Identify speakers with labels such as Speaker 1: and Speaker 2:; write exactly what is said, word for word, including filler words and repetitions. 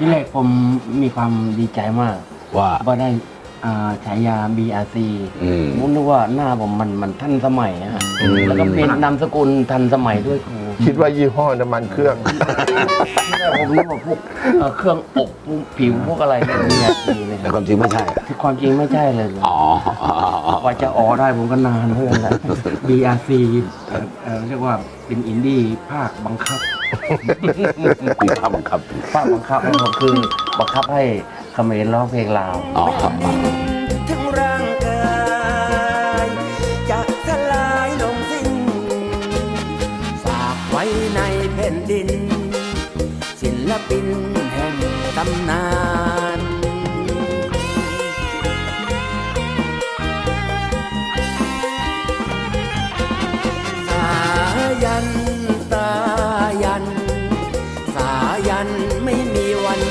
Speaker 1: ที่แรกผมมีความดีใจมาก
Speaker 2: ว่า
Speaker 1: ว่าได้อ่าฉายา บี อาร์ ซี
Speaker 2: อืม
Speaker 1: ผมนึกว่าหน้าผมมันมันทันสมัยอะฮะ
Speaker 2: อืม
Speaker 1: แล้วก็เป็นนามสกุลทันสมัยด้วยครู
Speaker 3: คิดว่ายี่ห้อน้ำมันเครื่อง
Speaker 1: ที่แรกผมนึกว่าพวกเอ่อเครื่องอบพวกผิวพวกอะไรเนี่ย บี อาร์ ซี เลยค
Speaker 2: แต่
Speaker 1: รับ
Speaker 2: ความจริงไม่ใช่
Speaker 1: ที่ความจริงไม่ใช่เลย
Speaker 2: อ๋อก
Speaker 1: ว่าจะออได้ผมก็นานเพื่อนแหละ บี อาร์ ซี เอ่อเอ่อเรียกว่าเป็นอินดี้ภาคบังคับ
Speaker 2: มีภาพบังคับ
Speaker 1: ภาคบังคับนะครับคือบังคับให้เขมรร้องเพลงลาว
Speaker 2: อ๋อ
Speaker 4: ทั้งร่างกายจะสลายลงสิ้นฝากไว้ในแผ่นดิน ศิลปินแห่งตำนาน